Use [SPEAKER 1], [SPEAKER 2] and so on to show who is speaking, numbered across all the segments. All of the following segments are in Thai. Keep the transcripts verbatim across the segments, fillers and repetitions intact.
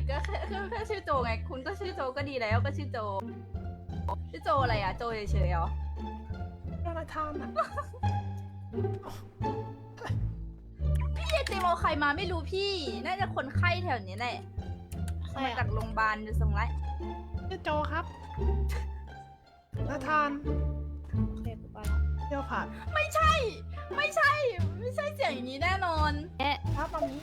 [SPEAKER 1] ก็แค่แค่แค่ชื่อโจไงคุณก็ชื่อโจก็ดีแล้วก็ชื่อโจชื่อโจอะไรอ่ะโจเฉยๆเหรอ
[SPEAKER 2] โดนทานอ่ะ
[SPEAKER 1] พี่เจมเอาใครมาไม่รู้พี่น่าจะคนไข้แถวนี้แหละมาจากโรงพยาบาลดูทรงไร
[SPEAKER 2] ชื่อโจครับนาธาน
[SPEAKER 3] โอเคกูไปละ
[SPEAKER 2] เที่ยวผ่าน
[SPEAKER 1] ไม่ใช่ ไม่ใช่ ไม่ใช่เสียงอย่างนี้แน่นอน
[SPEAKER 2] ครับตอนนี้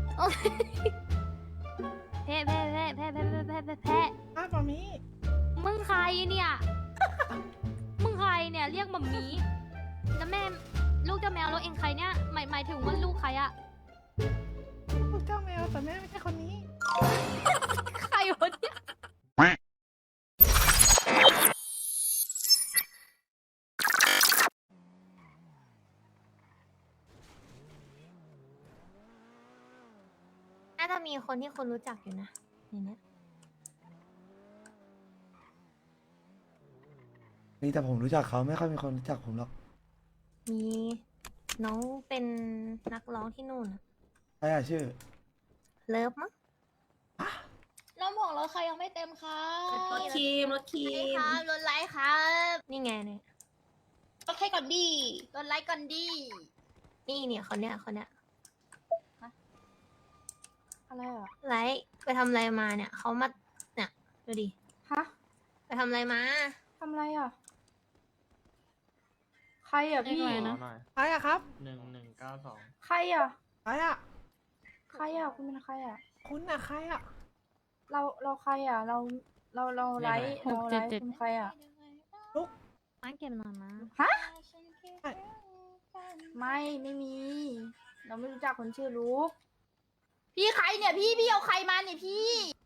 [SPEAKER 3] แพ้แพ้แพ้แพ้แพ้แพ้แพ้แพ้แพ้
[SPEAKER 2] ครับตอนนี้
[SPEAKER 3] มึงใครเนี่ย มึงใครเนี่ยเรียกมัมมี่แล้วแม่ลูกเจ้าแมวแล้วเองใครเนี่ยหมายหมายถึงว่าลูกใครอะ
[SPEAKER 2] ลูกเจ้าแมวแต่แม่ไม่ใช่คนนี้
[SPEAKER 1] ใครวะเนี่ย
[SPEAKER 3] น่าจะมีคนที่คนรู้จักอยู่นะในเนี้ย
[SPEAKER 4] นี่แต่ผมรู้จักเขาไม่ค่อยมีคนรู้จักผมหรอก
[SPEAKER 3] มีน้องเป็นนักร้องที่นู่นอะ
[SPEAKER 4] ใครอะชื่อ
[SPEAKER 3] เลิฟมั้ง
[SPEAKER 5] น้ำของรถใครยังไม่เต็มคะ
[SPEAKER 3] รถครีมรถครี
[SPEAKER 1] ค
[SPEAKER 3] ม
[SPEAKER 1] รับรถไลท์ครับ
[SPEAKER 3] นี่ไงเนี่ย
[SPEAKER 5] รถใครก่อนดี
[SPEAKER 1] รถไลท์ก่อนดี
[SPEAKER 3] นี่เนี่ยคนเนี้ยคนเนี้ย
[SPEAKER 1] อะไรอ่ะ
[SPEAKER 3] ไลท์ไปทำอะไรมาเนี่ยเขามาเนี่ยดูดิ
[SPEAKER 1] ฮะ
[SPEAKER 3] ไปทำอะไรมา
[SPEAKER 1] ทำอะไรอ่ะใครอ่ะพี่
[SPEAKER 5] เรียกอะไรนะ
[SPEAKER 2] ใครอะครับ
[SPEAKER 6] หนึ่งหนึ่งเก้าสอง
[SPEAKER 1] ใครอ่ะ
[SPEAKER 2] ใครอะ
[SPEAKER 1] ใครอ่ะคุณเป็นใครอ่ะ
[SPEAKER 2] คุณอะใครอะ
[SPEAKER 1] เราเราใครอ่ะ เราเราเราไลท์เราไลท์คุณใครอ่ะ
[SPEAKER 3] มาเก็บหน่อยนะ
[SPEAKER 1] ฮะไม่ไม่มี เราไม่รู้จักคนชื่อลูกพี่ใครเนี่ยพี่พี่เอาใครมาเนี่ยพี่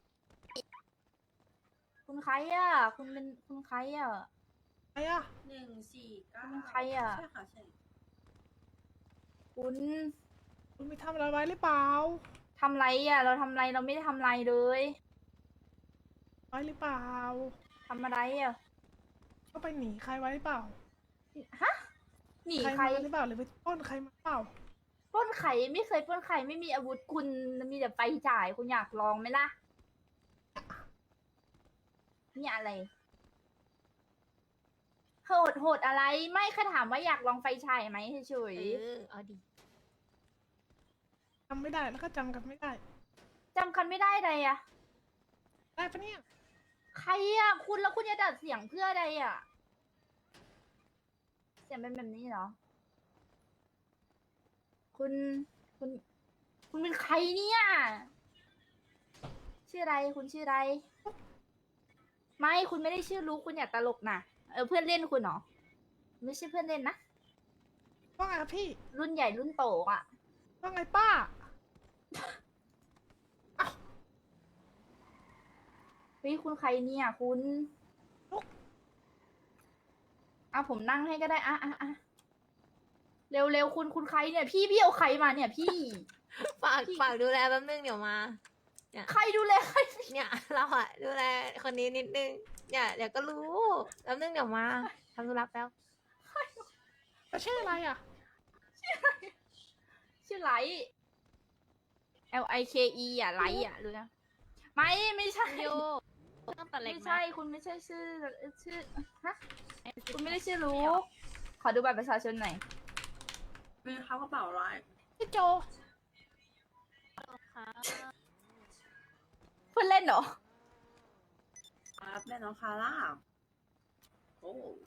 [SPEAKER 1] คุณใครอ่ะ คุณเป็นคุณใครอ่ะ
[SPEAKER 2] ใครอะ
[SPEAKER 5] หนึ่งสี่เก้า
[SPEAKER 1] คุณใครอ่ะ
[SPEAKER 5] ใช่ค่ะใช่
[SPEAKER 1] คุณ
[SPEAKER 2] คุณไปทำอะไรไว้หรือเปล่า
[SPEAKER 1] ทำไรอ่ะ เราทำไรเราไม่ได้ทำไรเลย
[SPEAKER 2] ไว้หรือเปล่า
[SPEAKER 1] ทำอะไรอ่ะ
[SPEAKER 2] ก็ไปหนีใครไว้หรือเปล่า
[SPEAKER 1] ฮะหนี
[SPEAKER 2] ใคร
[SPEAKER 1] ใคร
[SPEAKER 2] มาหรือเปล่าหรือไปปล้นใครมาหรือเปล่า
[SPEAKER 1] ปล้นไข่ไม่เคยปล้นไข่ไม่มีอาวุธคุณมีแต่ไฟจ่ายคุณอยากลองไหมล่ะนี่อะไรโหดโหดอะไรไม่แค่ถามว่าอยากลองไฟฉายไหมเฉย
[SPEAKER 3] เออเอาดิ
[SPEAKER 2] จำไม่ได้แล้วก็จำกันไม่ได้
[SPEAKER 1] ๆจำกันไม่ได้เลยอะ
[SPEAKER 2] ได้ปะเนี่ย
[SPEAKER 1] ใครอะคุณแล้วคุณจะดัดเสียงเพื่ออะไรอะเสียงเป็นแบบนี้เหรอ คุณคุณ คุณเป็นใครเนี่ย ชื่ออะไรคุณชื่ออะไร ไม่คุณไม่ได้ชื่อรู้คุณอย่าตลกนะเออเพื่อนเล่นคุณเหรอไม่ใช่เพื่อนเล่นนะ
[SPEAKER 2] ว่าไงครับพี่
[SPEAKER 1] รุ่นใหญ่รุ่นโตอ่ะ
[SPEAKER 2] ว่าไงป้า
[SPEAKER 1] เฮ้ยคุณใครเนี่ยคุณอ่ะผมนั่งให้ก็ได้อ่ะอ่ะอ่ะเร็วเร็วคุณคุณใครเนี่ย พี่พี่เอาใครมาเนี่ย พี่
[SPEAKER 3] ฝากฝากดูแลแป๊บนึงเดี๋ยวมา
[SPEAKER 1] ใครดูแลใคร
[SPEAKER 3] เนี่ยเราอะดูแลคนนี้นิดนึงเนี่ยเดี๋ยวก็รู้แป๊บนึงเดี๋ยวมาทำธุระแป๊บ
[SPEAKER 2] แล้วชื่ออะไรอะ
[SPEAKER 1] ชื่อไลท์ L I K E อ่ะไลท์อ่ะรู้นะไม่ไม่ใช่
[SPEAKER 3] โยต้องตัดเล็ก
[SPEAKER 1] ไม่
[SPEAKER 3] ไหม
[SPEAKER 1] ใช่คุณไม่ใช่ชื่อชื่อฮะคุณไม่ได้ชื่อรู้ขอดูบัตรประชาชนหน่อย
[SPEAKER 5] เป็นเขากระเป๋าร้าย
[SPEAKER 2] ชื่อโจ
[SPEAKER 3] ค่ะ
[SPEAKER 1] เพื่อนเล่นเหรอ
[SPEAKER 5] ครับแม่น้องคาร่าโอ้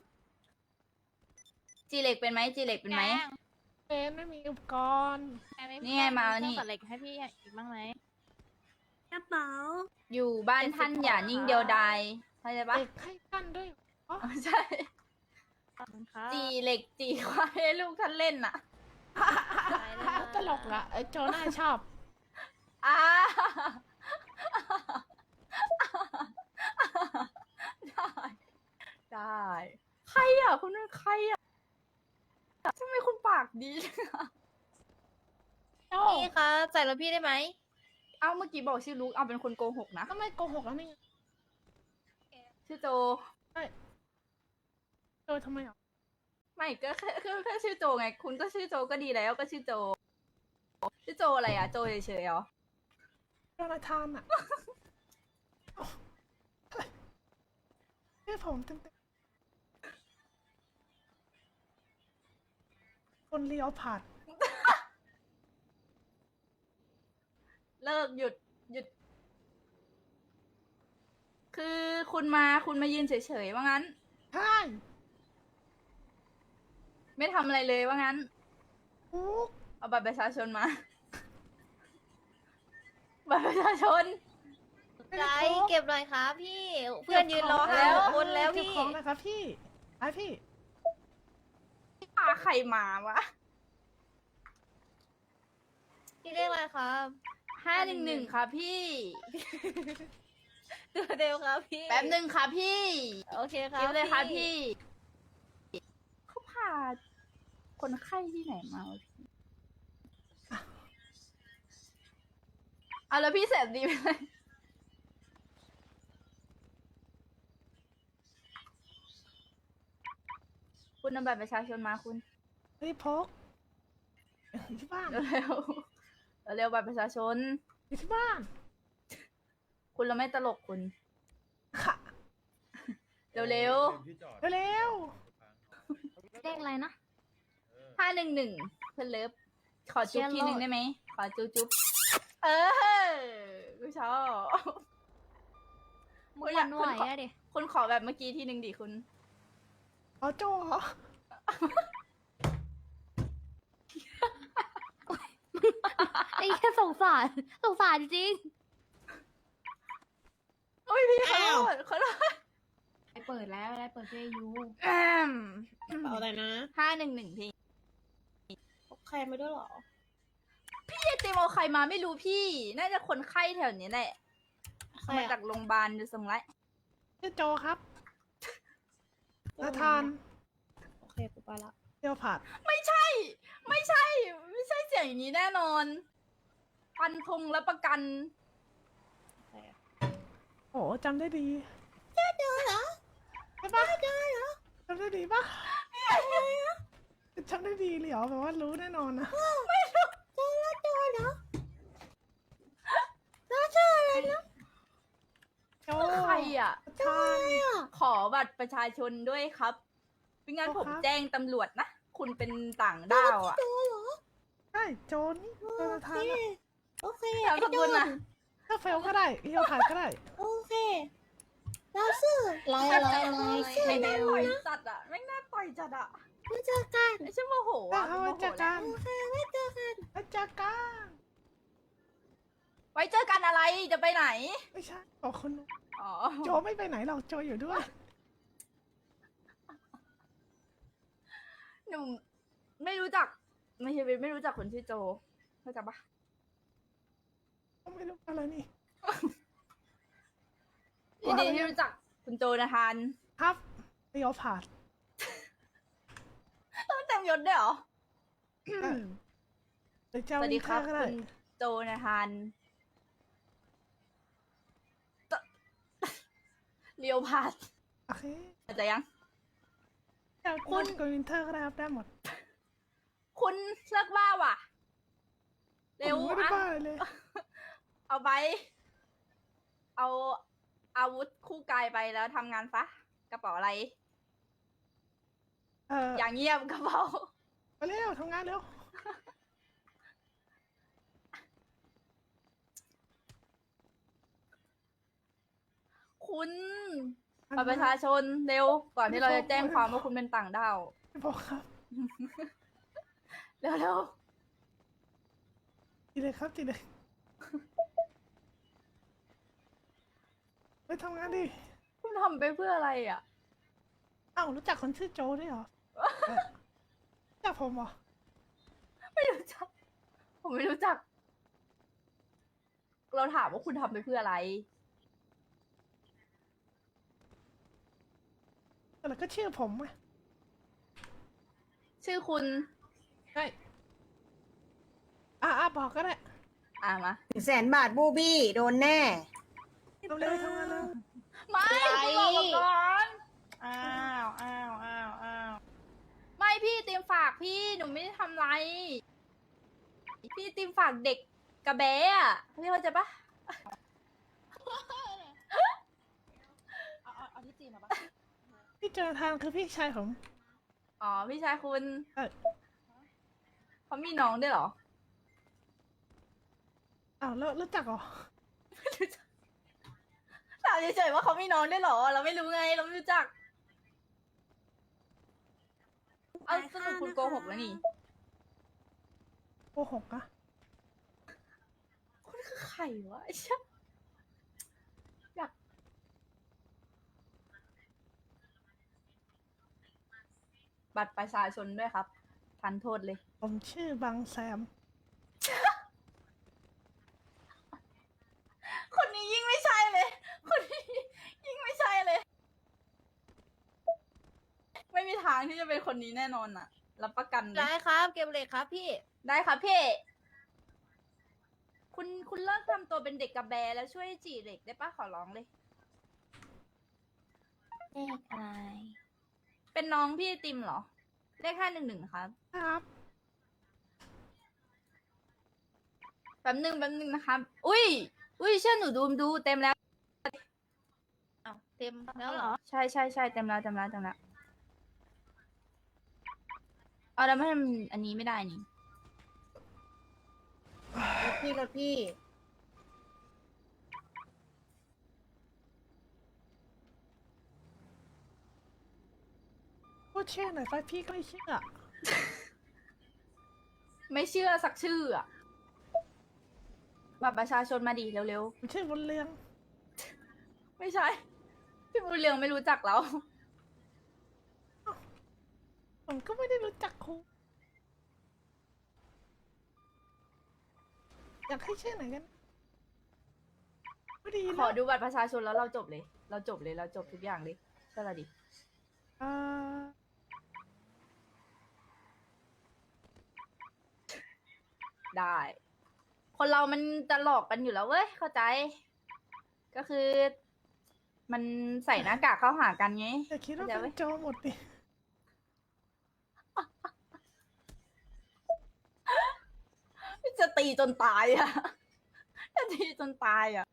[SPEAKER 1] จีเล็กเป็นไหมจีเล็กเป็นไหม
[SPEAKER 2] เป็นไม่มีอุปกรณ์
[SPEAKER 1] นี่ไงมาเอานี่
[SPEAKER 3] ตัดเล็กให้พี่อีกบ้างไหม
[SPEAKER 5] กระเป๋า
[SPEAKER 1] อยู่บ้านท่านอย่านิ่งเดียวดายเข้าใจปะ
[SPEAKER 2] เด็กให้กันด้วย
[SPEAKER 1] อ๋อใช่
[SPEAKER 3] ขอบคุณค่ะ
[SPEAKER 1] จีเหล็กจีควายให้ลูกท่านเล่นน่ะ
[SPEAKER 2] ตลกละไอ้โจน่าชอบ
[SPEAKER 1] อ่าได้ได้ใครอ่ะคุณเป็นใครอ่ะทำไมคุณปากดีจังอะ
[SPEAKER 2] โจ
[SPEAKER 3] พี่คะใส่รถพี่ได้ไหม
[SPEAKER 1] เอ้าเมื่อกี้บอกชื่อลูกเอาเป็นคนโกหกนะ
[SPEAKER 2] ก็ไม่โกหกแล้วนี่
[SPEAKER 1] ชื่อโจ
[SPEAKER 2] โจทำไมอ่ะ
[SPEAKER 1] ไม่ก็แค่แค่แค่ชื่อโจไง คุณก็ชื่อโจก็ดีแล้วก็ชื่อโจ ชื่อโจอะไรอ่ะ โจเฉยๆเหรอ
[SPEAKER 2] โดนทานอ่ะชื่อผมเต็มๆคนเลี้ยวผ่าน
[SPEAKER 1] เลิกหยุดหยุด คือคุณมาคุณมายืนเฉยๆว่างั้น
[SPEAKER 2] ใช่
[SPEAKER 1] ไม่ทำอะไรเลยว่างั้น
[SPEAKER 2] ปุ๊ก
[SPEAKER 1] เอาบัตรประชาชนมา บัตรประชาชน
[SPEAKER 6] ใจเก็บหน่อยครับพี่ เพื่อนยืนรอ
[SPEAKER 1] แล้
[SPEAKER 6] หาว คนแล้ว
[SPEAKER 2] เก็บ
[SPEAKER 6] พี่
[SPEAKER 2] ของนะครับพี่ไอพี่
[SPEAKER 1] พาใครมาวะ
[SPEAKER 6] พี่เรียกอะไรครับ
[SPEAKER 1] ห้าหนึ่งหนึ่งค่ะพี่
[SPEAKER 6] ตัวเดียวครับพี่
[SPEAKER 1] แป๊บหนึ่งค่ะพี่
[SPEAKER 6] โอเคครั
[SPEAKER 1] เก็
[SPEAKER 6] บบ
[SPEAKER 1] เลยค่ะพี่ เขาพาคนไข้ที่ไหนมาวะพี่เอาแล้วพี่แสบดีไปเลย คุณนำบัตรประชาชนมาคุณ
[SPEAKER 2] เฮ้ยพกอยู่ที่บ้าน
[SPEAKER 1] เร็วๆเร็วๆบัตรประชาชน
[SPEAKER 2] อยู่ที่บ้าน
[SPEAKER 1] คุณเราไม่ตลกคุณ
[SPEAKER 2] ค่ะ
[SPEAKER 1] เร็ว
[SPEAKER 2] เร็ว
[SPEAKER 3] เลขอะไรนะ
[SPEAKER 1] ๆห้าหนึ่งหนึ่งเพื่อนเลิฟ ขอจุ๊บ
[SPEAKER 3] เชี
[SPEAKER 1] ที
[SPEAKER 3] ยร์
[SPEAKER 1] หนึ่ง
[SPEAKER 3] โลด
[SPEAKER 1] ได้ไหม ขอจุ๊บจุ๊บเออกูชอบ
[SPEAKER 3] มึงหวันไหวอะดิ
[SPEAKER 1] คุณขอแบบเมื่อกี้ทีหนึ่งดิคุณ
[SPEAKER 2] อ๋อโจเหรอ
[SPEAKER 3] ไอ้แค่สงสารสงสารจริง
[SPEAKER 1] โอ้ยพี่ขอโทษขอโทษ
[SPEAKER 7] ได้เปิดแล้วได้เปิดเพลงยู
[SPEAKER 5] เอาอะไรนะ
[SPEAKER 1] ห้าหนึ่งหนึ่งพี่
[SPEAKER 5] ใครมาด้วยเหรอ
[SPEAKER 1] พี่ไอติมเอาใครมาไม่รู้พี่ น่าจะคนไข้แถวนี้แหละ
[SPEAKER 5] ใคร
[SPEAKER 1] มา
[SPEAKER 5] อะ
[SPEAKER 1] จากโรงพยาบาลดูทรงไร
[SPEAKER 2] ชื่อโจครับนาธาน
[SPEAKER 5] โอเคกูไปละ
[SPEAKER 2] เลี้ยวผ่าน
[SPEAKER 1] ไม่ใช่ ไม่ใช่ ไม่ใช่เสียงอย่างนี้แน่นอนฟันธงและประกัน
[SPEAKER 5] ใครอะ
[SPEAKER 2] โอ้จำได้ดีเจอเจอเหรอใช่ปะเจอเหรอจำได้ดีปะจำได้ดีเลยเหรอแบบว่ารู้แน่นอนนะโจ
[SPEAKER 1] ใครอ่ะ
[SPEAKER 2] ทาน
[SPEAKER 1] ขอบัตรประชาชนด้วยครับไม่งั้น
[SPEAKER 2] โอ้
[SPEAKER 1] ผม
[SPEAKER 2] ครับ
[SPEAKER 1] แจ้งตำรวจนะ คุณเป็นต่างด้าวอ่ะ
[SPEAKER 2] ใช่โจนี่โจนาธานอะ
[SPEAKER 5] โอเค
[SPEAKER 1] นามสกุลนะ
[SPEAKER 2] ถ้าเฟลก็ได้เลี้ยวผ่านก็ได้
[SPEAKER 5] โอเคเราซื้อลายอะไรลาย
[SPEAKER 1] ไม่น่าต่อยจัดอ่ะ ไม่น่าต่อยจัดอ่ะ
[SPEAKER 5] มาเจอกัน
[SPEAKER 1] ไม่ใช่โมโห
[SPEAKER 2] ถ้า
[SPEAKER 1] อ่ะ
[SPEAKER 2] เขา
[SPEAKER 1] โม
[SPEAKER 2] ไว้
[SPEAKER 1] โห
[SPEAKER 2] เจอ
[SPEAKER 1] แล้
[SPEAKER 2] กั
[SPEAKER 1] วน
[SPEAKER 5] โอเคไว้เจอกัน
[SPEAKER 2] ไว้เจอกัน
[SPEAKER 1] ไว้เจอกันอะไรจะไปไหน
[SPEAKER 2] ไม่ใช่บอกคนนู้น
[SPEAKER 1] อ๋อ
[SPEAKER 2] โจไม่ไปไหนหรอกโจอยู่ด้วย
[SPEAKER 1] หนูไม่รู้จัก ไม่ใช่ไม่รู้จักคนชื่อโจเข้าใจปะ
[SPEAKER 2] ไม่รู้อะไรนี่
[SPEAKER 1] ยินดีที่รู้จักคุณโจนะทาน
[SPEAKER 2] ครับเลี้ยวผ่าน
[SPEAKER 1] ต้องเต็มยศด้วยเหรอ
[SPEAKER 2] หรือ
[SPEAKER 1] ส
[SPEAKER 2] เจ้า
[SPEAKER 1] วัส
[SPEAKER 2] วิ
[SPEAKER 1] ดี
[SPEAKER 2] น
[SPEAKER 1] ค
[SPEAKER 2] เท
[SPEAKER 1] รั
[SPEAKER 2] อบ ร์ก็ได้
[SPEAKER 1] คุณโจนะทานตเลียวพาด
[SPEAKER 2] โอเค
[SPEAKER 1] เข้าใจยัง
[SPEAKER 2] เจ้า
[SPEAKER 1] คุ
[SPEAKER 2] คุณ ณกับวินเทอร์ก็ได้ครับได้หมด
[SPEAKER 1] คุณเลิกบ้าว่ะ เร็ว
[SPEAKER 2] ผมไม่ได้
[SPEAKER 1] อ่ะ
[SPEAKER 2] บ้าเลย
[SPEAKER 1] เอาไป เอาอาวุธคู่กายไปแล้วทำงานซะ กระเป๋าอะไร
[SPEAKER 2] เออ
[SPEAKER 1] อย่างเงียบกระเป๋า
[SPEAKER 2] ไปเร็วทำงานเร็ว
[SPEAKER 1] คุณบัตรประชาชนเร็ว ก่อนที่เราจะแจ้งความว่าคุณเป็นต่างด้าว
[SPEAKER 2] ไม่บอกครับ
[SPEAKER 1] เร็วเร็ว
[SPEAKER 2] จีเลยครับจีเลยไปทำงานดิ
[SPEAKER 1] ๆคุณทำไปเพื่ออะไรอ่ะ
[SPEAKER 2] อ้าวรู้จักคนชื่อโจด้วยเหรอเออรู้จักผมเหรอ
[SPEAKER 1] ไม่รู้จัก ผมไม่รู้จัก เราถามว่าคุณทำไปเพื่ออะไร
[SPEAKER 2] แต่ก็ชื่อผมอะ
[SPEAKER 1] ชื่อคุณ
[SPEAKER 2] ใช่อ่ะอ่ะบอกก็ได้
[SPEAKER 1] อ่ามา
[SPEAKER 8] แสนบาทบูบี้โดนแน่
[SPEAKER 2] เร็วๆทำงานเร็ว
[SPEAKER 1] ไม่คุณบอกมาก่อน
[SPEAKER 5] อ้าวอ้าวอ้าวอ้าว
[SPEAKER 1] ไม่พี่เตรียมฝากพี่หนูไม่ได้ทำไร พี่เตรียมฝากเด็กกระแบะอะพี่เข้าใจปะ
[SPEAKER 2] โจนาธานคือพี่ชายผม
[SPEAKER 1] อ๋อพี่ชายคุณ
[SPEAKER 2] เอ้ย
[SPEAKER 1] เขามีน้องด้วยเหรอ
[SPEAKER 2] อ้าวแล้วรู้จักเหรอ
[SPEAKER 1] ถามเฉยๆว่าเขามีน้องด้วยเหรอ เราไม่รู้ไงเราไม่รู้จัก เอาสรุปคุณโกหกแล้วนี่
[SPEAKER 2] โกหกอะ
[SPEAKER 1] คุณคือใครวะไอ้เชี่ยอยากบัตรประชาชนด้วยครับ ทันโทษเลย
[SPEAKER 2] ผมชื่อบางแซม
[SPEAKER 1] คนนี้ยิ่งไม่ใช่เลย คนนี้ยิ่งไม่ใช่เลย ไม่มีทางที่จะเป็นคนนี้แน่นอนอะรับประกันเล
[SPEAKER 6] ได้
[SPEAKER 1] ย
[SPEAKER 6] ครับเก็บเลยครับพี่
[SPEAKER 1] ได้ครับพี่ คุณคุณเลิกทำตัวเป็นเด็กกระแบแล้วช่วยจีเด็กได้ปะขอร้องเลย
[SPEAKER 6] เลขอะไร
[SPEAKER 1] เป็นน้องพี่ไอติมเหรอ เลขห้าหนึ่งหนึ่งครับ
[SPEAKER 2] ครับ
[SPEAKER 1] แป๊บหนึ่งแป๊บหนึ่งนะครับ อุ้ย อุ้ยเชื่อหนูดูดูเต็มแล้ว
[SPEAKER 6] อ้าวเต็มแล้วเหรอ
[SPEAKER 1] ใช่ใช่ใช่เต็มแล้วเต็มแล้วเต็มแล้วเอาแล้วไม่ทำอันนี้ไม่ได้นี่
[SPEAKER 8] รถพี่รถพี่
[SPEAKER 2] พูดชื่อหน่อยไปพี่ก็ไม่เชื่อ
[SPEAKER 1] ไม่เชื่อสักชื่ออะบัตรประชาชนมาดีเร็ว
[SPEAKER 2] ผมชื่อบนเรือง
[SPEAKER 1] ๆ ไม่ใช่ พี่บุญเรืองไม่รู้จักเรา
[SPEAKER 2] ผมก็ไม่ได้รู้จักครูอยากให้ชื่อไหนกันไม่ดี
[SPEAKER 1] ขอ
[SPEAKER 2] นะ
[SPEAKER 1] ดูบัตรประชาชนแล้วเราจบเลย เราจบเลยเราจบทุกอย่างเลยใช่ละดิ
[SPEAKER 2] อ่า
[SPEAKER 1] ได้ คนเรามันจะหลอกกันอยู่แล้วเว้ย เข้าใจ ก็คือ มันใส่หน้ากากเข้าหากันไง
[SPEAKER 2] อย่าคิดว่า
[SPEAKER 1] เข้าใจไหม
[SPEAKER 2] เป็นโจรหมดดิ
[SPEAKER 1] จะตีจนตายอ่ะ จะตีจนตายอ่ะ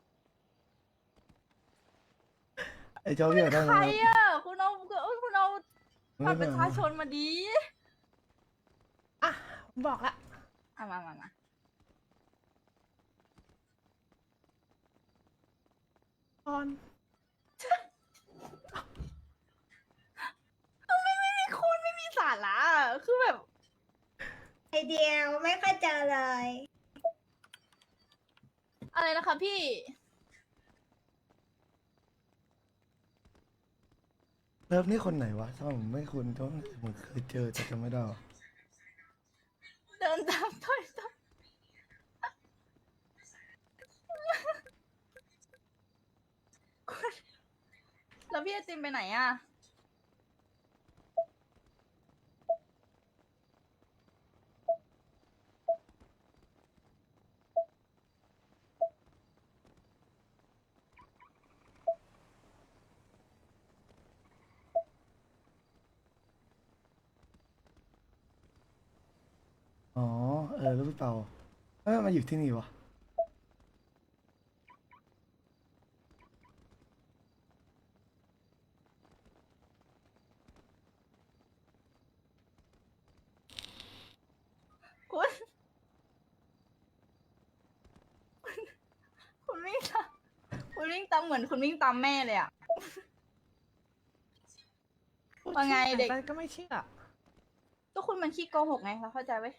[SPEAKER 4] ไอ้เจ้าเรียกได้ไห
[SPEAKER 1] ใค
[SPEAKER 4] ม
[SPEAKER 1] รอ่ะ คุณเอาคุณเอา
[SPEAKER 4] ค
[SPEAKER 1] บั
[SPEAKER 4] รั
[SPEAKER 1] ต
[SPEAKER 4] บ
[SPEAKER 1] รประชาชนมาดี
[SPEAKER 2] อ่ะผมบอกละ
[SPEAKER 1] อ่ะมามามา
[SPEAKER 2] ออน
[SPEAKER 1] ไม่มีคุณไม่มีสาระอะคือแบบ
[SPEAKER 8] ไอเดียวไม่ค่อยเจอเลย
[SPEAKER 1] อะไรนะคะพี่
[SPEAKER 4] เลิฟนี่คนไหนวะถ้าผมไม่คุ้นต้องผมเคยเจอแต่จำไม่ได้วะ
[SPEAKER 1] เดินตามต้อยต้อยแล้วพี่ไอติมไปไหนอ่ะ
[SPEAKER 4] อ๋อเออแล้วพี่เปาเอ้ยมาอยู่ที่นี่วะ
[SPEAKER 1] คุณ คุณคุณวิ่งตามคุณวิ่งตามเหมือนคุณวิ่งตามแม่เลยอ่ะ
[SPEAKER 2] พูด
[SPEAKER 1] ว่าไง
[SPEAKER 2] ชื่อหน
[SPEAKER 1] เด็ก
[SPEAKER 2] ไปก็ไม่เชื่อ
[SPEAKER 1] ก็คุณมันขี้โกหกไงเราเข้าใจไหม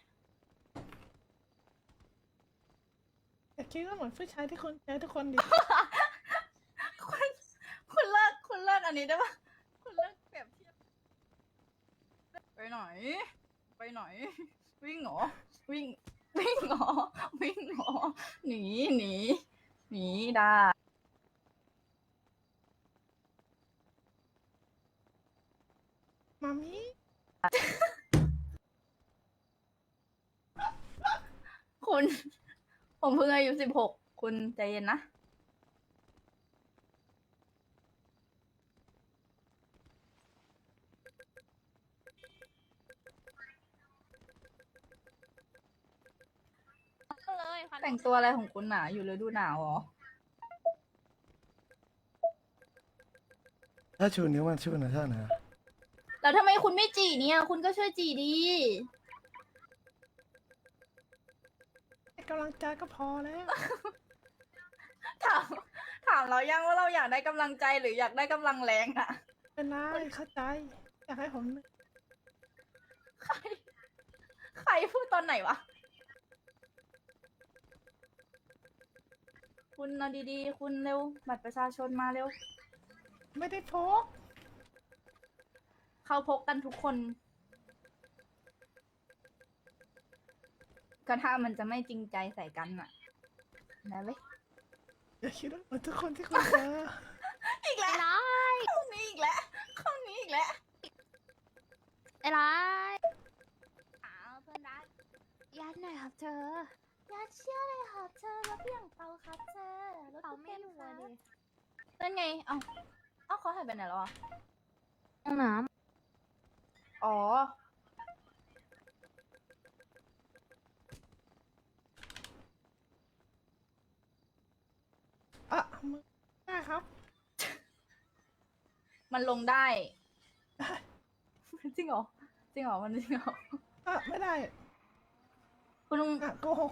[SPEAKER 2] อย่าคิดว่าเหมือนผู้ชายที่คุณเจอทุกคนดิ
[SPEAKER 1] คุณคุณเลิกคุณเลิกอันนี้ได้ปะคุณเลิกเปรียบเทียบไปไหน ไปไหน วิ่งเหรอ วิ่ง วิ่งเหรอ วิ่งเหรอ หนี หนี หนีได้
[SPEAKER 2] มามิ
[SPEAKER 1] คุณ ผมเพิ่งอายุสิบหก คุณใจเย็นนะ
[SPEAKER 3] ก็เลยค่ะ
[SPEAKER 1] แต่งตัวอะไรของคุณหนาอยู่ฤดูหนาวเหรอ
[SPEAKER 4] ถ้าชูนิ้วมันชูนะท่านะ
[SPEAKER 1] แล้วทำไมคุณไม่จีเนี่ย คุณก็ช่วยจีดี
[SPEAKER 2] ให้กำลังใจก็พอแล้ว
[SPEAKER 1] ถามถามเรายังว่าเราอยากได้กำลังใจหรืออยากได้กำลังแรงอะ
[SPEAKER 2] เป็นไรเข้าใจ อยากให้ผม
[SPEAKER 1] ใครใครพูดตอนไหนวะ คุณเอาดีๆ คุณเร็ว บัตรประชาชนมาเร็ว
[SPEAKER 2] ไม่ได้พก
[SPEAKER 1] เขาพกกันทุกคน ก็ถ้ามันจะไม่จริงใจใส่กันอะนะเว้ย
[SPEAKER 2] อย่าคิดว่าเหมือนทุกคนที่คุณเจอ
[SPEAKER 1] อีกแล้ว
[SPEAKER 3] ไอ้ร้าย
[SPEAKER 1] ข้อนี้อีกแล้วข้อนี้อีกแล้ว
[SPEAKER 3] ไอ้ร้าย
[SPEAKER 1] อ้าวเพื่อนรัก
[SPEAKER 3] ยัดหน่อยครับเธอ
[SPEAKER 1] อย่าเชื่อเลยครับเธอรถเบี่ยงเปาครับเธอรถ
[SPEAKER 3] เปา
[SPEAKER 1] ตู้
[SPEAKER 3] ไม่
[SPEAKER 1] เต็
[SPEAKER 3] อยู่
[SPEAKER 1] ค
[SPEAKER 3] อะ
[SPEAKER 1] รับ
[SPEAKER 3] ดิ
[SPEAKER 1] นั่นไง เอ้าเอ้าเขาหายไปไหนแล้วอ่ะ
[SPEAKER 3] ห้องน้
[SPEAKER 1] อ๋อ
[SPEAKER 2] อ่ะมึงได้ครับ
[SPEAKER 1] มันลงได้ จริงเหรอ จริงเหรอ มันจริงเหรอ
[SPEAKER 2] อ่ะไม่ได้
[SPEAKER 1] คุณลุง
[SPEAKER 2] อ่ะโกหก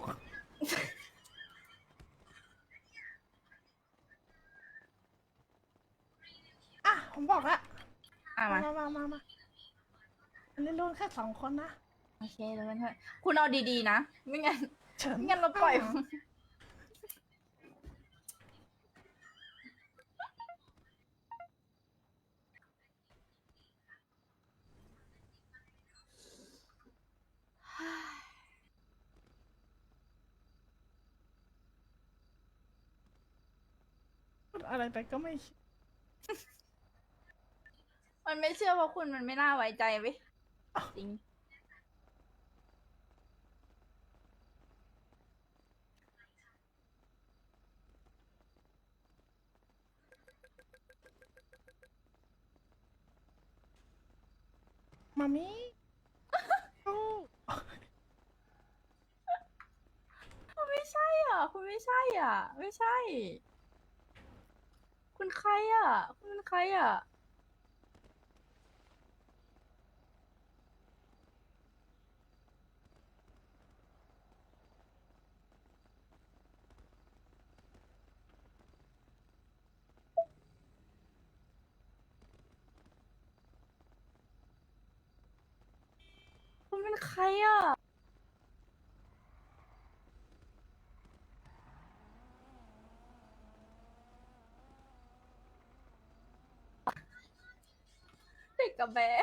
[SPEAKER 2] อ่ะผมบอกละ
[SPEAKER 1] อ่ะ
[SPEAKER 2] มา
[SPEAKER 1] มา
[SPEAKER 2] มามามามาอันนี้รุ่นแค่สองคนนะ
[SPEAKER 1] โอเคเลยเพื่อนๆคุณเอาดีๆนะ ไม่งั้น
[SPEAKER 2] เฉิน
[SPEAKER 1] ไม่งั้นเราปล่อย
[SPEAKER 2] พูดอะไรไปก็ไม่
[SPEAKER 1] มันไม่เชื่อเพราะคุณมันไม่น่าไว้ใจเว้ยจริง
[SPEAKER 2] มามิโอ้
[SPEAKER 1] คุณไม่ใช่อ่ะ คุณไม่ใช่อ่ะ ไม่ใช่ คุณใครอ่ะ คุณเป็นใครอ่ะ คุณเป็นใครอ่ะ เด็กกับแบะ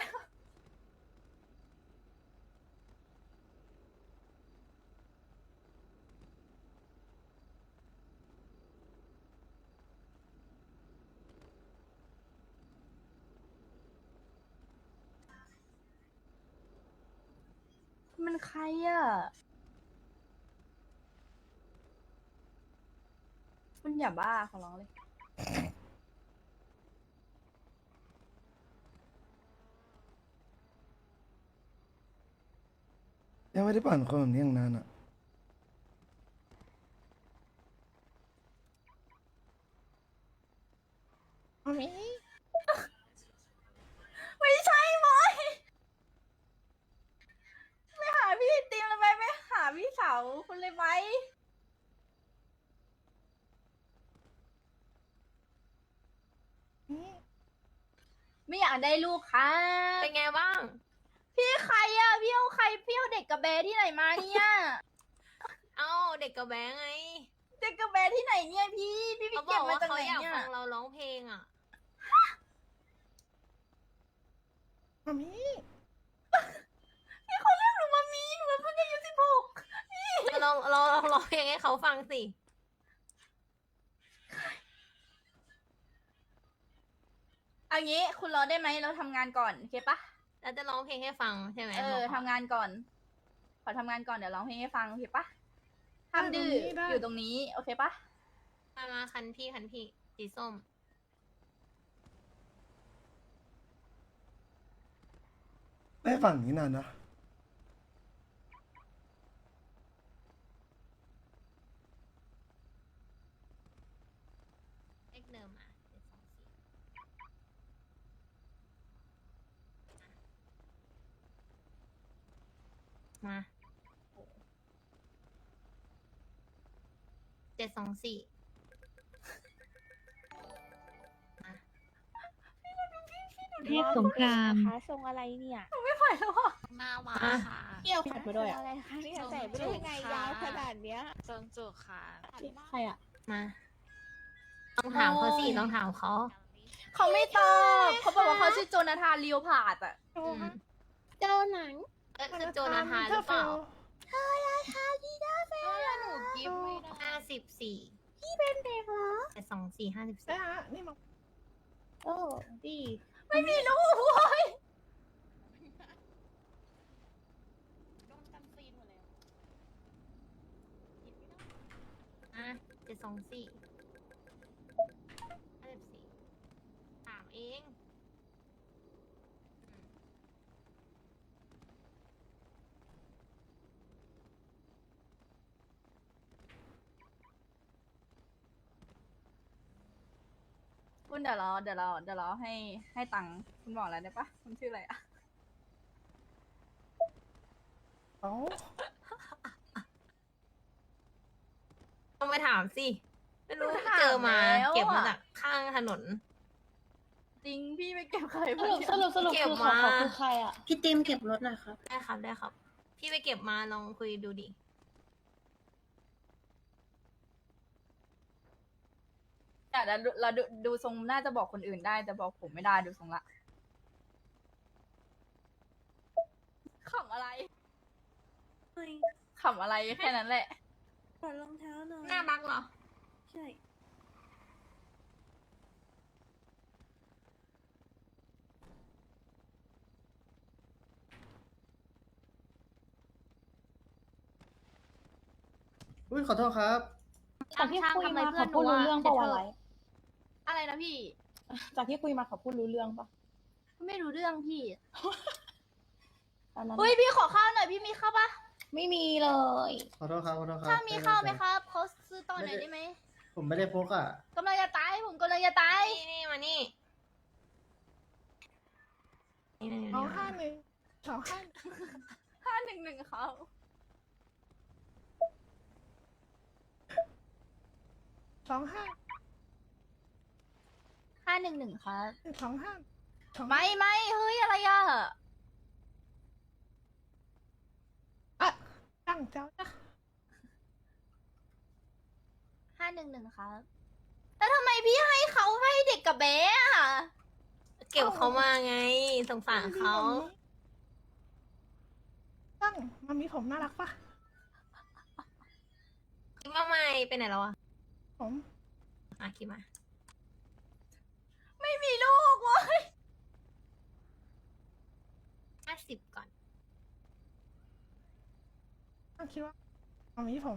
[SPEAKER 1] คุณเป็นใครอ่ะ คุณอย่าบ้าขอร้องเลย
[SPEAKER 4] ยังไม่ได้ปั่นคนแบบนี้อย่างนานอ่ะ
[SPEAKER 2] มามิ
[SPEAKER 1] ไม่ใช่บอยไปหาพี่ติมเลยไหมไปหาพี่สาวคุณเลยไหม
[SPEAKER 2] นี่
[SPEAKER 1] ไม่อยากได้ลูกค่ะ
[SPEAKER 6] ำเป็นไงบ้าง
[SPEAKER 1] พี่ใครอ่ะ พี่เอาใครพี่เอาเด็กกับแบร์ที่ไหนมาเนี่ย
[SPEAKER 6] เอ้าเด็กกับแบงค์ไง
[SPEAKER 1] เด็กกับแบร์ที่ไหนเนี่ยพี่ พี่ไป
[SPEAKER 6] เขาบ
[SPEAKER 1] เก็
[SPEAKER 6] อบ ก
[SPEAKER 1] มา
[SPEAKER 6] ว่า
[SPEAKER 1] จาก
[SPEAKER 6] เขา
[SPEAKER 1] ไหน
[SPEAKER 6] อยาก
[SPEAKER 1] เนี่ย
[SPEAKER 6] ฟังเราร้องเพลงอ่ะ
[SPEAKER 2] มามิ
[SPEAKER 1] พี่เขาเรียกหนูมามีหนูเพิ่งอายุสิบหก
[SPEAKER 6] ลองลองลองร้องเพลงให้เขาฟังสิ
[SPEAKER 1] เอางี้คุณรอได้ไหมเราทำงานก่อนโอเคปะ
[SPEAKER 6] แล้วจะร้องเพลงให้ฟังใช่ไหม
[SPEAKER 1] เออ
[SPEAKER 6] บอก
[SPEAKER 1] ทำงานก่อน ขอทำงานก่อนเดี๋ยวร้องเพลงให้ฟังโอเคปะห้ามดื้ออยู่ตรงนี้โอเคปะ
[SPEAKER 6] มามาคันพี่คันพี่สีส้ม
[SPEAKER 4] ไม่ได้ปั่นอย่างนี้นานนะ
[SPEAKER 6] เลขเดิมอ่ะเจ็ดสองสี่มาเจ็ดสองสี่
[SPEAKER 3] เทพสงคราม
[SPEAKER 1] คะทรงอะไรเนี่ย
[SPEAKER 6] หน้ามาค่ะ
[SPEAKER 8] เกี่ยวขัดมาด้วยอ่ะ
[SPEAKER 1] อะไรคะเนี่ยใส่ไปได้ยังไงยาวขนาดเนี้ย
[SPEAKER 6] จงจุกค่ะ
[SPEAKER 8] ใครอ่ะ
[SPEAKER 6] มาต้องถามเขาสิต้องถามเขา
[SPEAKER 1] เขาไม่ตอบเขาบอกว่าเขาชื่อโจนาธานเลียวผาดอ่ะ
[SPEAKER 6] อืม
[SPEAKER 8] เจ้าหนัง
[SPEAKER 6] เอ้ยคือโจนาธานหรือเปล่า
[SPEAKER 1] เธอราคาดีน่าแฟน
[SPEAKER 6] หนูกิฟไม่ได้ห้าสิบสี่
[SPEAKER 8] พี่เป็นเด็กเหรอ
[SPEAKER 6] เจ็ดสองสี่ห้าสิบ
[SPEAKER 2] ได้
[SPEAKER 6] สี่
[SPEAKER 2] ฮะนี่มา
[SPEAKER 8] โอ้ดี
[SPEAKER 1] ไม่มีลูกเว้ย
[SPEAKER 6] อ่ะเจ็ดสองสี่ห้าสิบสี่ถามเอง
[SPEAKER 1] คุณเดี๋ยวเราเดี๋ยวเราเดี๋ยวเราให้ให้ตังค์คุณบอกแล้วได้ปะคุณชื่ออะไรอ่ะ
[SPEAKER 2] เอ้า
[SPEAKER 6] ต้องไปถามสิ ไม่รู้เจอมา เก็บมาจากข้างถนน
[SPEAKER 1] จริงพี่ไปเก็บใคร
[SPEAKER 8] สรุปสรุปสรุป
[SPEAKER 6] เก็บ
[SPEAKER 8] คือขอ
[SPEAKER 6] มา
[SPEAKER 8] ขอคือใครอ่ะ
[SPEAKER 5] พี่ติมเก็บรถหน่อยครับ
[SPEAKER 6] ได้ครับได้ครับ พี่ไปเก็บมาลองคุยดูดิ
[SPEAKER 1] แต่เราเราดูดูทรงน่าจะบอกคนอื่นได้แต่บอกผมไม่ได้ดูทรงละขำอะไรขำอะไรแค่นั้นแหละ
[SPEAKER 5] ถอดรองเท้าหน่อย
[SPEAKER 6] หน้าบักเหรอ
[SPEAKER 5] ใช่
[SPEAKER 9] อุ้ยขอโทษครับ
[SPEAKER 8] จากที่คุยมา
[SPEAKER 3] ช่างทำไมเพื่
[SPEAKER 8] เขา
[SPEAKER 3] อนหนู
[SPEAKER 8] พูดรู้
[SPEAKER 3] อะ
[SPEAKER 8] เรื่องปะวะ
[SPEAKER 3] เดี๋ยวเธอ
[SPEAKER 8] ไร
[SPEAKER 1] อะไรนะพี่
[SPEAKER 8] จากที่คุยมาเขาพูดรู้เรื่องปะ
[SPEAKER 1] ไม่รู้เรื่องพี่
[SPEAKER 8] ตอนนั้น
[SPEAKER 1] เฮ้ยพี่ขอข้าวหน่อยพี่มีข้าวปะ
[SPEAKER 8] ไม่มีเลย
[SPEAKER 9] ขอโทษครับ ขอโทษครับ
[SPEAKER 1] ข้าวมีข้าวไหมครับเขาซื้อต่อหน่อยได้ไหม
[SPEAKER 9] ผมไม่ได้พกอ่ะ
[SPEAKER 1] กำลังจะตายผมกำลังจะตาย
[SPEAKER 6] นี่นี่มานี่นี่นี่
[SPEAKER 2] สอง
[SPEAKER 6] นี่
[SPEAKER 2] ห้าหนึ่งสองห้า
[SPEAKER 1] ห้าหนึ่งหนึ่งเขา
[SPEAKER 2] สองห้า
[SPEAKER 1] ห้าหนึ่งหนึ่งครับ
[SPEAKER 2] สองห้าสอง
[SPEAKER 1] ไม่ไม่เฮ้ยอะไรอ่ะ
[SPEAKER 2] อ่ะตั้งเจ้านะ
[SPEAKER 1] ห้าหนึ่งหนึ่งครับแต่ทำไมพี่ให้เขาให้เด็กกับเบ๊อะ
[SPEAKER 6] เก็บเขามาไง สงสารเขา
[SPEAKER 2] ตั้งมามีผมน่ารักปะ
[SPEAKER 6] คิดว่าไม่ไปไหนแล้วอะ
[SPEAKER 2] ผม
[SPEAKER 6] อ่ะคิดมา
[SPEAKER 1] ไม่มีลูกเว้ย
[SPEAKER 6] ห้าสิบก่อน
[SPEAKER 2] ตั้งคิดว่ามามีผม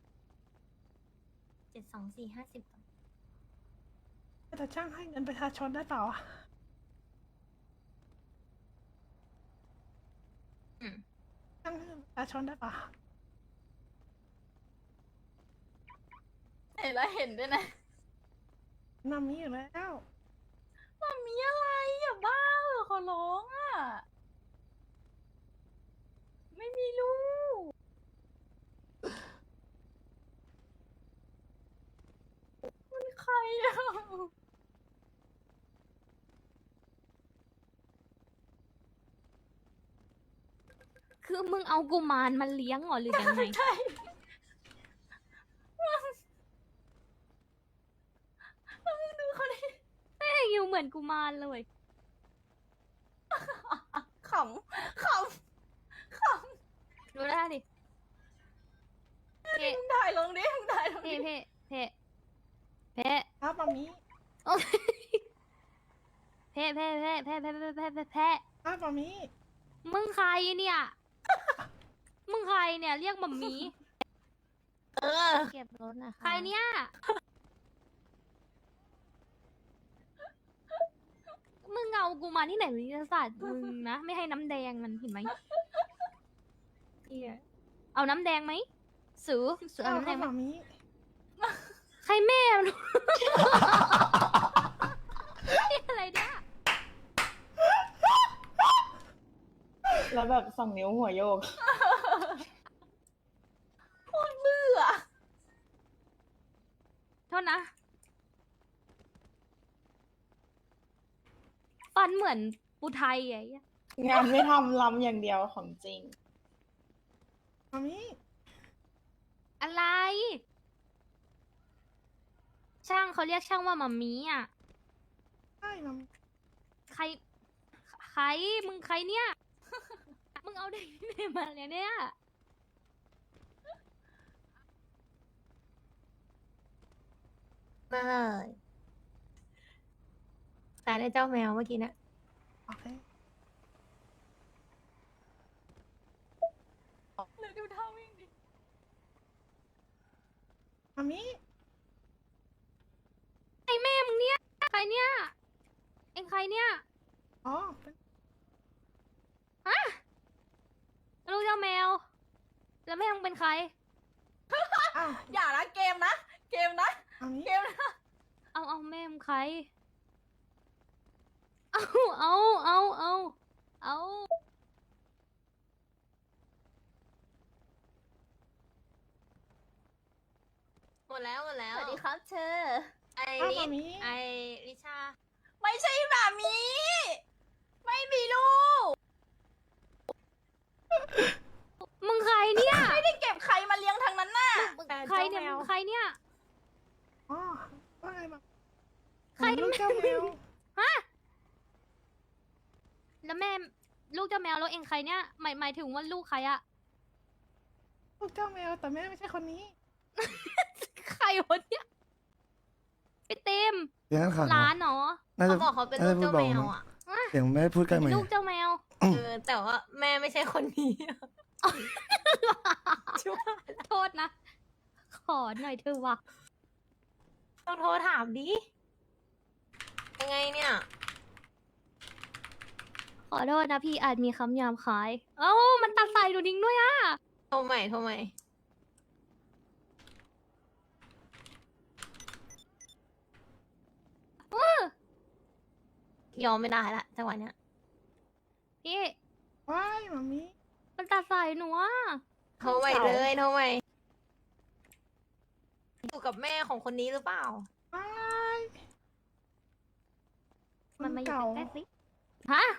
[SPEAKER 6] เจ็ดสองสี่ห้าสิบก่อน
[SPEAKER 2] แต่ช่างให้เงินประชาชนได้เปล่าอ่ะ
[SPEAKER 6] อืม
[SPEAKER 2] ช่างให้เงินประชาชนได้เปล่า
[SPEAKER 1] เห็นแล้วเห็นด้วยนะ
[SPEAKER 2] มามีอยู่แล้ว
[SPEAKER 1] มันมีอะไรอ่ะบ้าเหรอขอร้องอ่ะ ไม่มีลูก มันใครอ่ะ
[SPEAKER 3] คือมึงเอากุมารมาเลี้ยงเหรอหรือยังไง
[SPEAKER 1] ใช่มึงดูเขาดิ
[SPEAKER 3] แม่งอยู่เหมือนกุมารเลย
[SPEAKER 1] ขำขำข
[SPEAKER 3] ดูได้ดิเพ่
[SPEAKER 1] ำมึงถ่ายลงดิมึงถ่ายลง
[SPEAKER 3] เพ่
[SPEAKER 1] ดิ
[SPEAKER 3] เพ่เพ่เพ่
[SPEAKER 2] ครับมามี
[SPEAKER 3] เพ่เพ่เพ่เพ่เพ่เพ่เพ่เพ่เพ่
[SPEAKER 2] ครับมามี
[SPEAKER 3] มึงใครเนี่ย มึงใครเนี่ยเรียกมัมมี่
[SPEAKER 6] เออ
[SPEAKER 3] เก็บรถนะคะใครเนี่ย มึงเอากูมาที่ไหนวิทยาศาสตร์มึงนะ ไม่ให้น้ำแดงมันเห็นไหมเหี้ยเอาน้ำแดงไหมสูสูเอา
[SPEAKER 2] เอา
[SPEAKER 3] น้ำ
[SPEAKER 2] ค
[SPEAKER 3] แด
[SPEAKER 2] รับ
[SPEAKER 3] งไหม
[SPEAKER 2] มามี
[SPEAKER 3] ใครแม่มัน นี่อะไรเนี่ย
[SPEAKER 8] แล้วแบบสองนิ้วหัวโยก
[SPEAKER 3] ฟันเหมือนปูไทยไอ้เหี้ย
[SPEAKER 8] งานไม่ทำลำอย่างเดียวของจริง
[SPEAKER 2] มามิ
[SPEAKER 3] อะไร ช่างเขาเรียกช่างว่ามามีอ่ะ
[SPEAKER 2] ใช่มามิ
[SPEAKER 3] ใคร ใคร มึงใครเนี่ย มึงเอาเด็กที่ไหนมาเนี่ยเนี่ย
[SPEAKER 6] มาเลยแต่ได้เจ้าแมวเมื่อกี้เนะ
[SPEAKER 2] โอเค
[SPEAKER 3] ดูท่าวิ่งดิ
[SPEAKER 2] มามิ
[SPEAKER 3] ไอแม่มึงเนี่ย ใครเนี่ย เอ็งใครเนี่ย
[SPEAKER 2] อ๋อเป็น
[SPEAKER 3] ลูกเจ้าแมว แล้วแม่มึงเป็นใคร
[SPEAKER 2] อ้าว
[SPEAKER 1] อย่านะเกมนะ เกมนะ
[SPEAKER 2] มามิ
[SPEAKER 1] เกมนะ
[SPEAKER 3] เอาเอาแม่มึงใคร เอาเอาเอาเอาเอา
[SPEAKER 6] หมดแล้วหมดแล้
[SPEAKER 1] ส
[SPEAKER 6] ว
[SPEAKER 1] วัสดีครับเธอ
[SPEAKER 6] ไอ
[SPEAKER 2] อ้าว
[SPEAKER 6] ริ
[SPEAKER 2] มามิ
[SPEAKER 6] ไอริชา
[SPEAKER 1] ไม่ใช่หมามี ไม่มีลูก
[SPEAKER 3] มึงใครเนี่ย
[SPEAKER 1] ไม่ได้เก็บใครมาเลี้ยงทางนั้นน่ะ
[SPEAKER 3] มึงใครเนี่ยมึงใครเนี่ย
[SPEAKER 2] อ๋อว่าไงมา
[SPEAKER 3] ใคร
[SPEAKER 2] ผมลูกเจ้าแมว
[SPEAKER 3] ฮะ แล้วแม่ลูกเจ้าแมวแล้วเองใครเนี่ย หมายหมายถึงว่าลูกใครอะ
[SPEAKER 2] ลูกเจ้าแมวแต่แม่ไม่ใช่คนนี้
[SPEAKER 3] ใครวะเนี่ยไปเต็ม
[SPEAKER 4] เสียงนั้นขาด
[SPEAKER 3] ร้านเหรอ
[SPEAKER 4] น่าจะ
[SPEAKER 6] เขาบอกเขาเป็น
[SPEAKER 4] น่า
[SPEAKER 6] ลู
[SPEAKER 4] จะ
[SPEAKER 6] ก
[SPEAKER 4] พูด
[SPEAKER 6] เจ้า
[SPEAKER 4] เบา
[SPEAKER 6] แมว
[SPEAKER 4] มั้ง
[SPEAKER 6] อ่ะ
[SPEAKER 4] เสียงแม่พูดใกล้ไหม
[SPEAKER 3] ลูกเจ้าแมว
[SPEAKER 6] เออแต่ว่าแม่ไม่ใช่คนนี้ ช่วย
[SPEAKER 3] โทษนะ ขอหน่อยเถอะวะ
[SPEAKER 6] ต้องโทรถามดิ ยังไงเนี่ย
[SPEAKER 3] ขอโทษนะพี่อาจมีคำหยาบคาย เอ้า มันตัดใส่หนูดิ้งด้วยอะ
[SPEAKER 6] โทรใหม่โทรใหม่ ยอมไม่ได้ละจังหวะเนี้ย
[SPEAKER 3] พี่
[SPEAKER 2] ว้ายมามิ
[SPEAKER 3] มันตัดใส่หนูอะ
[SPEAKER 6] โทรใหม่เลยโทรใหม่อยู่กับแม่ของคนนี้หรือเปล่า
[SPEAKER 2] ว้าย
[SPEAKER 3] มันมาอยู่
[SPEAKER 2] เก่า
[SPEAKER 3] ใกล้ๆสิ ฮะ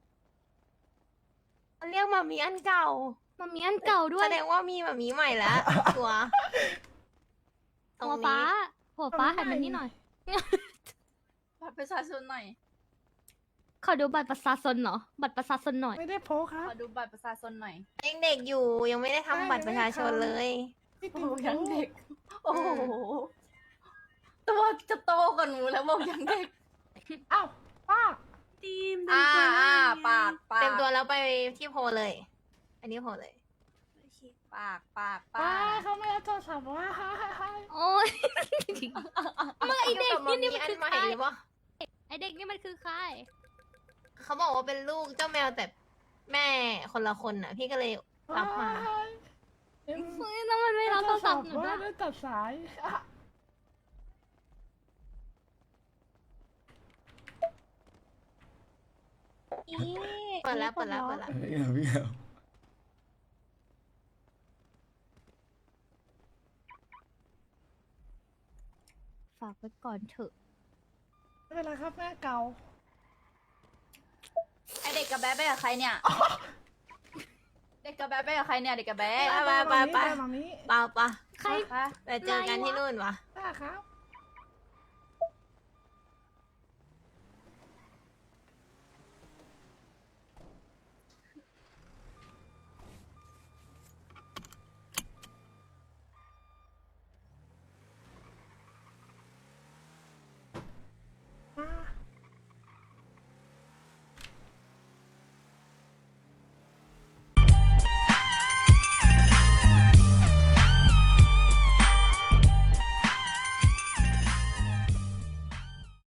[SPEAKER 6] มันเรียกมามีอันเก่า
[SPEAKER 3] มันมีอันเก่าด้วย
[SPEAKER 6] แสดงว่ามีมามีใหม่แล้ว ตัวตรง
[SPEAKER 3] หัวฟ้า
[SPEAKER 6] นี้
[SPEAKER 3] หัวฟ้าหันมานี่หน่อย
[SPEAKER 1] บัตรประชาชนหน่อย
[SPEAKER 3] ขอดูบัตรประชาชนเหรอ บัตรประชาชนหน่อย
[SPEAKER 2] ไม่ได้โพกครั
[SPEAKER 1] ข
[SPEAKER 2] บ
[SPEAKER 1] อดูบัตรประชาชนหน่อย
[SPEAKER 6] ยังเด็กอยู่ยังไม่ได้ทำบัตรประชาชนเลย
[SPEAKER 2] พี่
[SPEAKER 1] โอ้
[SPEAKER 2] ติ๋ว
[SPEAKER 1] ยังเด็ก โอ้โห ตัวจะโตกว่าหนูแล้วบอกยังเด็ก
[SPEAKER 2] อ้าวป้า
[SPEAKER 5] ทีม
[SPEAKER 1] อ่าอ่าปากปาก
[SPEAKER 6] เต็มตัวแล้วไปที่โพลเลย อันนี้โพลเลย
[SPEAKER 1] ปากปาก
[SPEAKER 2] ป้า
[SPEAKER 1] ปาก
[SPEAKER 2] เขาไม่ได้โทรศัพท์ว่า
[SPEAKER 3] โอ้ย มึงไอเด็กนี่นี่มัน
[SPEAKER 6] อั
[SPEAKER 3] คือ
[SPEAKER 6] ใหม่
[SPEAKER 3] ใคร
[SPEAKER 6] หรือเปล่า
[SPEAKER 3] ไอเด็กนี่มันคือใคร
[SPEAKER 6] เขาบอกว่าเป็นลูกเจ้าแมวแต่แม่คนละคนน่ะ พี่ก็เลยรับมา
[SPEAKER 3] เฮ้ยแล้วมันไม่รับโทรศัพท์หนู
[SPEAKER 2] ว่า
[SPEAKER 3] ด้วย
[SPEAKER 2] ได้ตัดสายอ่ะ
[SPEAKER 6] เปิดแล้วเปิดแล้วเปิดแล้ว
[SPEAKER 4] เอ้ยพี่เอา
[SPEAKER 3] ฝากไว้ก่อนเถอะ
[SPEAKER 2] ไม่เป็นไรครับแม่เก่า
[SPEAKER 1] ไอเด็กกับแบ๊ะไปกับใครเนี่ย เด็กกับแบ๊ะไปกับใครเนี่ย เด็กกับแบ๊ะ
[SPEAKER 6] ไปไปไปไป
[SPEAKER 2] มามิ
[SPEAKER 6] เปล่าปะ
[SPEAKER 3] ใคร
[SPEAKER 1] คะ
[SPEAKER 6] ไปเจอกันที่นู่นวะ
[SPEAKER 2] ป้าครับ